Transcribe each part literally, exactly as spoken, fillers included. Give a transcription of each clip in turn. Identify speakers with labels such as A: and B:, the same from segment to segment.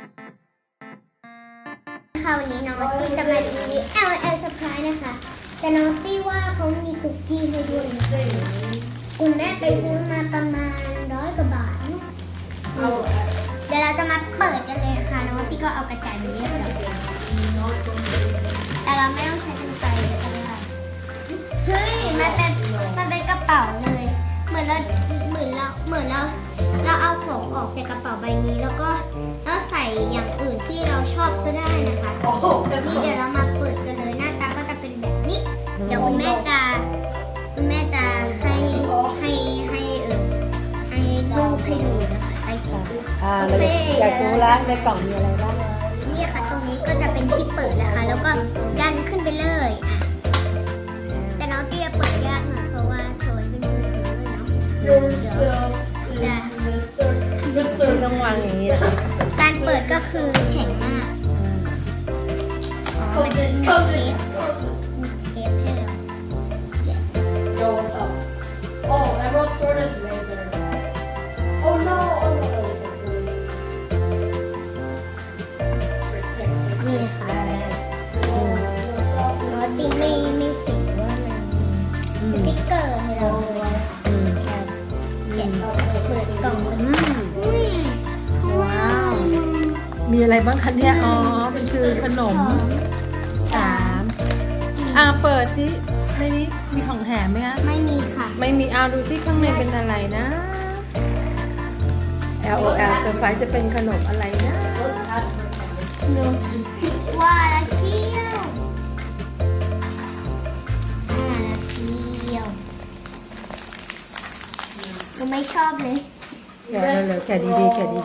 A: ค่ะวันนี้น้องตี้จะมารีวิว แอล แอล Surprise นะคะแต่น้องตี้ว่าเขามีคุกกี้ให้ด้วยคุณแม่ไปซื้อมาประมาณร้อยกว่าบาทเดี๋ยวเราจะมาเปิดกันเลยค่ะน้องตี้ก็เอากระจายไปเยอะแล้วแต่เราไม่ต้องใช้กรรไกรเลยค่ะเฮ้ยมันเป็นมันเป็นกระเป๋าเลยเหมือนเราเหมือนเราเหมือนเราเราเอาของออกจากกระเป๋าใบนี้แล้วก็แล้วใส่อย่างอื่นที่เราชอบก็ได้นะคะนี่เดี๋ยวเรามาเปิดกันเลยหน้าตาก็จะเป็นแบบนี้เดี๋ยวคุณแม่จะคุณแม่จะให้ให้ให้เออให้รูปให้ดูนะคะให้ชม
B: อ่าเราอยากรู้แล้วในกล่องมีอะไรบ้าง
A: นี่ค่ะตรงนี้ก็จะเป็นที่เปิดนะคะแล้วก็ดันขึ้นไปเลยอ่ะแต่น้องเตี้ยเปิดยากหน่อยเพราะว่าโชยเป็นมือถือเนาะเดี๋ยวจะ
B: คือต้องวางอย่างนี้นะคะ
A: การเปิดก็คือแข็งมากอ๋อมันจะมีเทปเทปให้เรา
C: Yo, what's up? Oh, Emerald Sword is right there. Oh no! Oh no! Frick, frick, frick.
A: นี่ค่ะ
C: Oh, what's up?
A: น้องตี้ไม่ไม่เห็นว่ามันมีสติ๊กเกอร์ให้เราเลย
B: อืม
A: แกะเปิดกล่อง
B: อืม
A: อุ้ยว้าว
B: มีอะไรบ้างคะเนี่ยอ๋อเป็นคือขนมสามอ่าเปิดสิในนี้มีของแถมไหมคะ
A: ไม่มีค่ะ
B: ไม่มีเอาดูที่ข้างในเป็นอะไรนะ แอล โอ แอล Surprise จะเป็นขนมอะไรนะ
A: ดูว่าแล้วเชี่ยวอ่าแล้วเชี่ยวเราไม่ชอบเลย
B: แกะเร็วๆแกะดีๆแกะดี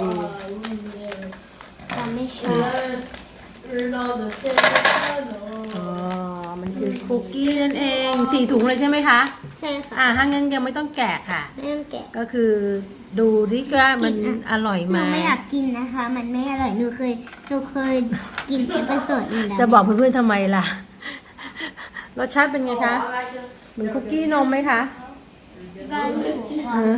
A: เราไม่ชอบ
C: Ronaldo Cristiano.
B: ๆอ๋อมันคือคุกกี้นั่นเองสี่ถุงเลยใช่ไหมคะ
A: ใช่ค่ะ
B: อ่าถ้างั้นยังไม่ต้องแกะค่ะ
A: ไม่ต้องแกะ
B: ก็คือดูดิว่ามันอร่อย
A: ห
B: ไหม
A: นูไม่อยากกินนะคะ มันไม่อร่อยหนูเคยหนูเคยกินเอพิโซดนี้แล้ว
B: จะบอกเพื่อนๆทำไมล่ะ รสชาติเป็นไงคะ
C: I like it.
B: เหมือนคุกกี้นมไหมคะ
A: ก็อยู่
B: เออ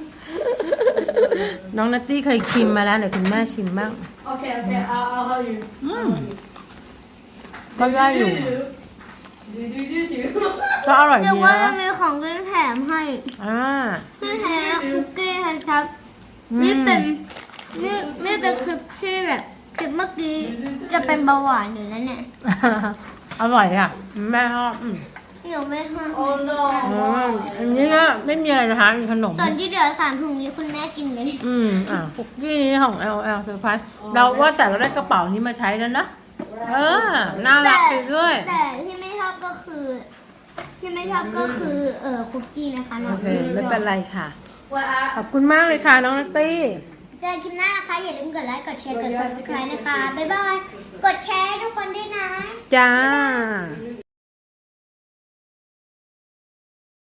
B: น้องนัตตี้เคยชิมมาแล้วเดี๋ยวคุณแม่ชิมบ้าง
C: Okay, okay, I'll, I'll help you.
B: อืมก็ได้อยู่
C: Do do do do.
B: ก็อร่อย
A: แต่
B: ดี
A: ว่า
B: นะ
A: มีของเล่นแถมให้
B: อ่า
A: ที่แท้คุกกี้ครับ
B: อืม
A: นี่เป็นนี่นี่เป็นคลิปที่แบบคลิปเมื่อกี้จะเป็นเบาหวานอยู่แล้วเนี่ย
B: อร่อยอ่ะแม่ชอบอืม
A: หนูไม่ห้าม
C: Oh
B: อืม
C: no.
B: อันนี้ก็ไม่มีอะไรนะคะมีขนม
A: ตอนที่เหลือสามถุงนี้คุณแม่กินเลย
B: อืมอ่ะคุกกี้นี้ของ แอล แอล Surprise เราว่าแต่เราได้กระเป๋านี้มาใช้แล้วนะ เออ น่ารักไปด้วย
A: แต่ที่ไม่ชอบก็คือ ที่ไม่ชอบก็คือเออคุกกี้นะคะน้
B: โอ
A: อง
B: เค
A: ที่
B: ไม่
A: ชอบ
B: เป็นไรค่ะ
C: What
B: ขอบคุณมากเลยค่ะน้องนัตตี้
A: เจอคลิปหน้านะคะ อย่าลืมกดไลค์ กดแชร์ กด ซับสไครบ์ นะคะ บ๊ายบาย กดแชร์ให้ทุกคนด้วยนะ
B: จ้า
C: I